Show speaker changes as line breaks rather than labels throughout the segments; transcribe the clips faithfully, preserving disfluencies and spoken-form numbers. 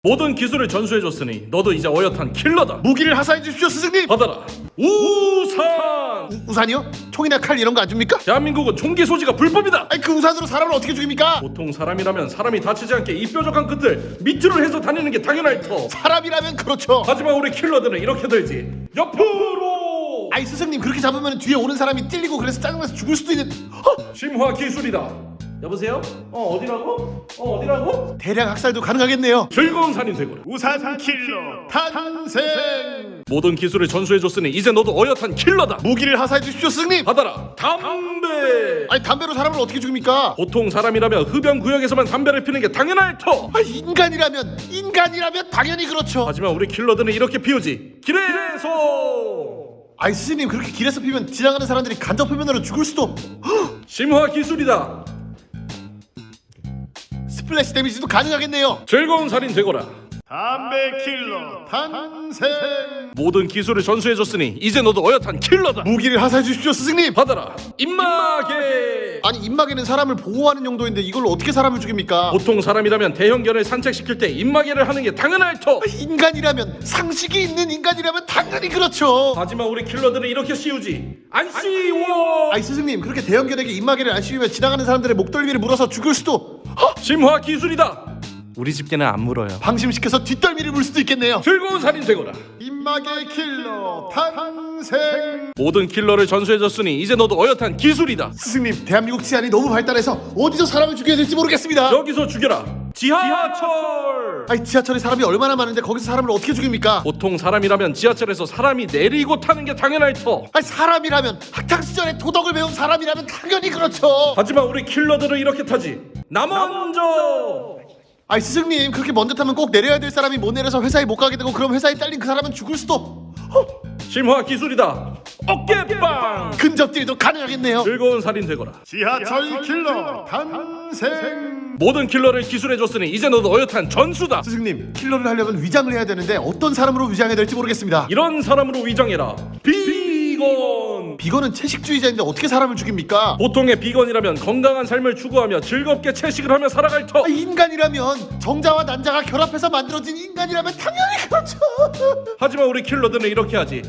모든 기술을 전수해줬으니 너도 이제 어엿한 킬러다.
무기를 하사해 주십시오 스승님.
받아라. 우산.
우, 우산이요? 총이나 칼 이런 거 안 줍니까?
대한민국은 총기 소지가 불법이다.
아니 그 우산으로 사람을 어떻게 죽입니까?
보통 사람이라면 사람이 다치지 않게 이 뾰족한 끝을 밑으로 해서 다니는 게 당연할 터.
사람이라면 그렇죠.
하지만 우리 킬러들은 이렇게 들지. 옆으로.
아이 스승님 그렇게 잡으면 뒤에 오는 사람이 찔리고 그래서 짜증나서 죽을 수도 있는. 어?
심화 기술이다. 여보세요? 어 어디라고? 어 어디라고?
대량 학살도 가능하겠네요.
즐거운 살인 되거라.
우산 킬러 탄생.
모든 기술을 전수해줬으니 이제 너도 어엿한 킬러다.
무기를 하사해 주십시오 스승님.
받아라. 담배.
아니 담배로 사람을 어떻게 죽입니까?
보통 사람이라면 흡연 구역에서만 담배를 피는 게 당연할 터.
아 인간이라면 인간이라면 당연히 그렇죠.
하지만 우리 킬러들은 이렇게 피우지. 길에서.
아이 스승님 그렇게 길에서 피면 지나가는 사람들이 간접 흡연으로 죽을 수도.
심화 기술이다.
스플래시 데미지도 가능하겠네요.
즐거운 살인 되거라.
담배 킬러 탄생.
모든 기술을 전수해줬으니 이제 너도 어엿한 킬러다.
무기를 하사해 주십시오 스승님.
받아라. 입마개.
아니 입마개는 사람을 보호하는 용도인데 이걸로 어떻게 사람을 죽입니까?
보통 사람이라면 대형견을 산책시킬 때 입마개를 하는 게 당연할 터.
인간이라면 상식이 있는 인간이라면 당연히 그렇죠.
하지만 우리 킬러들은 이렇게 씌우지. 안 씌워.
아이 스승님 그렇게 대형견에게 입마개를 안 씌우면 지나가는 사람들의 목덜미를 물어서 죽을 수도. 헉!
심화 기술이다. 우리 집 개는 안 물어요.
방심시켜서 뒷덜미를 물 수도 있겠네요.
즐거운 살인 되거라.
입마개 킬러 탄생.
모든 킬러를 전수해줬으니 이제 너도 어엿한 기술이다.
스승님 대한민국 치안이 너무 발달해서 어디서 사람을 죽여야 될지 모르겠습니다.
여기서 죽여라. 지하철.
아니 지하철에 사람이 얼마나 많은데 거기서 사람을 어떻게 죽입니까?
보통 사람이라면 지하철에서 사람이 내리고 타는 게 당연할 터.
아니 사람이라면 학창시절에 도덕을 배운 사람이라면 당연히 그렇죠.
하지만 우리 킬러들은 이렇게 타지. 나 먼저.
아이 스승님 그렇게 먼저 타면 꼭 내려야 될 사람이 못 내려서 회사에 못 가게 되고 그럼 회사에 딸린 그 사람은 죽을 수도. 어?
심화 기술이다. 어깨빵.
근접질도 가능하겠네요.
즐거운 살인 되거라.
지하철 킬러 탄생.
모든 킬러를 기술해줬으니 이제 너도 어엿한 전수다.
스승님 킬러를 하려면 위장을 해야 되는데 어떤 사람으로 위장해야 될지 모르겠습니다.
이런 사람으로 위장해라. 비건.
비건은 채식주의자인데 어떻게 사람을 죽입니까?
보통의 비건이라면 건강한 삶을 추구하며 즐겁게 채식을 하며 살아갈 터.
아, 인간이라면 정자와 난자가 결합해서 만들어진 인간이라면 당연히 그렇죠.
하지만 우리 킬러들은 이렇게 하지.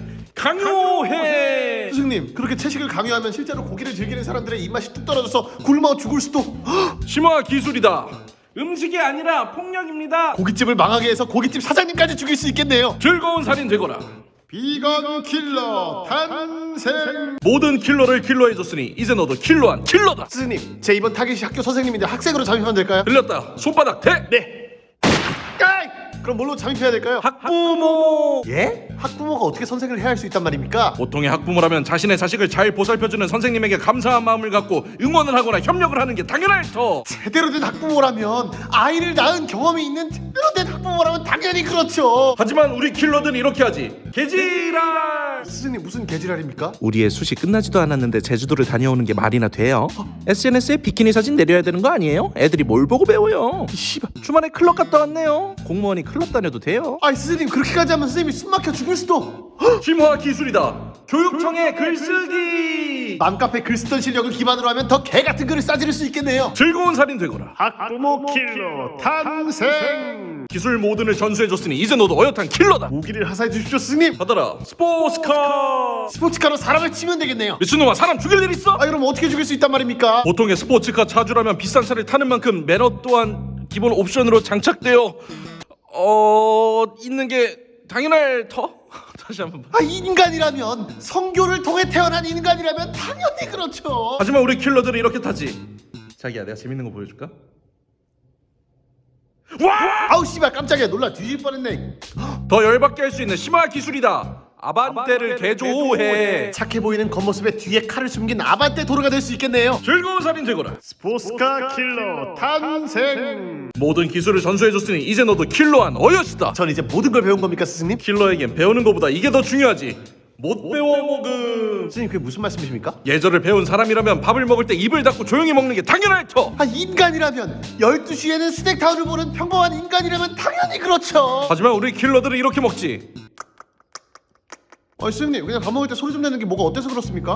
강요해.
스승님 그렇게 채식을 강요하면 실제로 고기를 즐기는 사람들의 입맛이 뚝 떨어져서 굶어 죽을 수도.
심화 기술이다. 음식이 아니라 폭력입니다.
고깃집을 망하게 해서 고깃집 사장님까지 죽일 수 있겠네요.
즐거운 살인 되거라.
비건 킬러 탄생.
모든 킬러를 킬러해줬으니 이제 너도 킬러한 킬러다.
스승님 제 이번 타겟이 학교 선생님인데 학생으로 잠입하면 될까요?
들렸다. 손바닥 대.
네. 까이! 그럼 뭘로 잠입해야 될까요?
학부모.
예? 학부모가 어떻게 선생을 해야 할 수 있단 말입니까?
보통의 학부모라면 자신의 자식을 잘 보살펴주는 선생님에게 감사한 마음을 갖고 응원을 하거나 협력을 하는 게 당연할 터.
제대로 된 학부모라면 아이를 낳은 경험이 있는 제대로 된 학부모라면 당연히 그렇죠.
하지만 우리 킬러들은 이렇게 하지. 개지랄.
스승님 무슨 개지랄입니까?
우리의 숱이 끝나지도 않았는데 제주도를 다녀오는 게 말이나 돼요? 에스엔에스에 비키니 사진 내려야 되는 거 아니에요? 애들이 뭘 보고 배워요?
씨발.
주말에 클럽 갔다 왔네요. 공무원이 클럽 다녀도 돼요?
아이 스승님 그렇게까지 하면 선생님이 숨 막혀 죽을 수도.
심화 기술이다. 교육청의 글쓰기.
맘카페 글 쓰던 실력을 기반으로 하면 더 개같은 글을 싸지를 수 있겠네요.
즐거운 살인 되거라.
학부모 킬러 탄생.
기술 모든을 전수해줬으니 이제 너도 어엿한 킬러다.
무기를 하사해 주십시오 스승님.
받아라. 스포츠카.
스포츠카로 사람을 치면 되겠네요.
미친놈아, 사람 죽일 일 있어?
아 그럼 어떻게 죽일 수 있단 말입니까?
보통의 스포츠카 차주라면 비싼 차를 타는 만큼 매너 또한 기본 옵션으로 장착되어 어... 있는 게 당연할 터? 다시 한번 봐.
아 인간이라면 성교를 통해 태어난 인간이라면 당연히 그렇죠.
하지만 우리 킬러들은 이렇게 타지. 자기야, 내가 재밌는 거 보여줄까? 와!
아우 씨발 깜짝이야 놀라 뒤질 뻔했네.
더 열받게 할 수 있는 심화 기술이다. 아반떼를 개조해.
착해 보이는 겉모습에 뒤에 칼을 숨긴 아반떼 도르가 될 수 있겠네요.
즐거운 살인 되거라.
스포츠카 킬러 탄생.
모든 기술을 전수해줬으니 이제 너도 킬러한 어여시다.
전 이제 모든 걸 배운 겁니까 스승님?
킬러에겐 배우는 것보다 이게 더 중요하지. 못 배워 먹음.
스승님 그게 무슨 말씀이십니까?
예절을 배운 사람이라면 밥을 먹을 때 입을 닫고 조용히 먹는 게 당연할 터.
아 인간이라면 열두 시에는 스낵타운을 보는 평범한 인간이라면 당연히 그렇죠.
하지만 우리 킬러들은 이렇게 먹지.
아 스승님 그냥 밥 먹을 때 소리 좀 내는 게 뭐가 어때서 그렇습니까?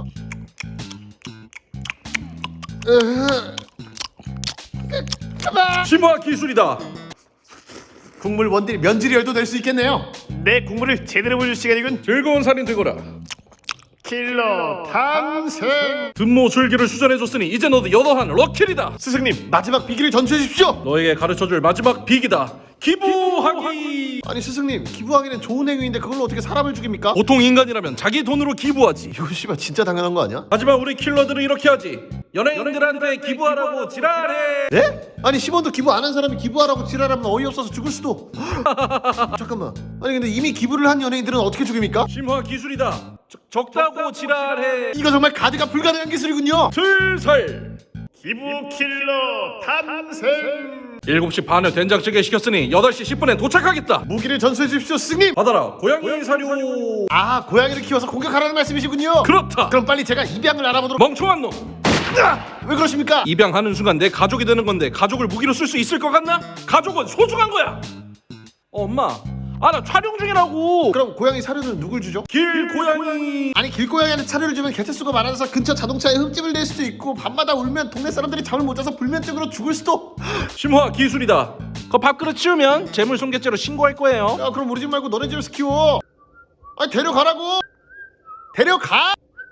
으흐.
심화 기술이다.
국물 원딜 면지리얼도 될 수 있겠네요.
내 국물을 제대로 보여줄 시간이군.
즐거운 살인 되거라.
킬러 탄생.
분모 술기를 수전해줬으니 이제 너도 여더한 럭킬이다.
스승님,
마지막 비기를 전수해 주십시오.
너에게 가르쳐줄 마지막 비기다. 기부하기.
아니 스승님, 기부하기는 좋은 행위인데 그걸로 어떻게 사람을 죽입니까?
보통 인간이라면 자기 돈으로 기부하지.
이거 씨발 진짜 당연한 거 아니야?
하지만 우리 킬러들은 이렇게 하지. 연예인들한테 기부하라고 지랄해.
네? 아니 십 원도 기부 안 한 사람이 기부하라고 지랄하면 어이없어서 죽을 수도. 잠깐만. 아니 근데 이미 기부를 한 연예인들은 어떻게 죽입니까?
심화 기술이다. 적, 적다고 지랄해.
이거 정말 가드가 불가능한 기술이군요.
슬슬
기부 킬러 탄생.
일곱 시 반에 된장찌개 시켰으니 여덟 시 십 분에 도착하겠다.
무기를 전수해 주십시오 스승님.
받아라 고양이 사료.
아, 고양이를 키워서 공격하라는 말씀이시군요.
그렇다.
그럼 빨리 제가 입양을 알아보도록.
멍청한 놈.
아! 왜 그러십니까?
입양하는 순간 내 가족이 되는 건데 가족을 무기로 쓸 수 있을 것 같나? 가족은 소중한 거야. 어, 엄마, 아 나 촬영 중이라고.
그럼 고양이 사료는 누굴 주죠?
길 고양이.
아니 길고양이한테 사료를 주면 개체수가 많아서 근처 자동차에 흠집을 낼 수도 있고 밤마다 울면 동네 사람들이 잠을 못 자서 불면증으로 죽을 수도.
심화 기술이다. 그 밥그릇 치우면 재물손괴죄로 신고할 거예요.
야 그럼 우리 집 말고 너네 집에서 키워. 아니 데려가라고. 데려가.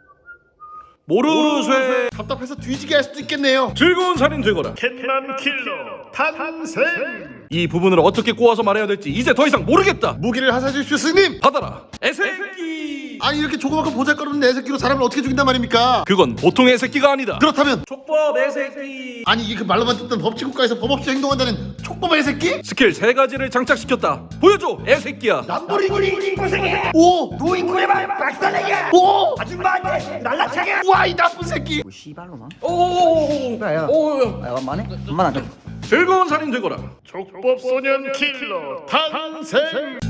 모르쇠.
답답해서 뒤지게 할 수도 있겠네요.
즐거운 살인 되거라.
캣맘 킬러 탄생.
이 부분을 어떻게 꼬아서 말해야 될지 이제 더 이상 모르겠다.
무기를 하사해 주십시오 스님.
받아라 애새끼.
아니 이렇게 조그맣고 보잘것없는 내 새끼로 사람을 어떻게 죽인단 말입니까?
그건 보통 애새끼가 아니다.
그렇다면
족법 애새끼.
아니 이게 그 말로만 듣던 법치국가에서 법 없이 행동한다는 촉법의 새끼?
스킬 세 가지를 장착시켰다. 보여줘 애새끼야.
남부리구리 고생해.
오!
노인구레만 박살내게.
오!
아줌마한테 날라차게.
와 이 나쁜 새끼!
뭐 씨발로만.
오오오오.
야,
오.
야, 엄마네? 엄마 나 좀.
즐거운 살인 되거라.
족법 소년 킬러 탄생.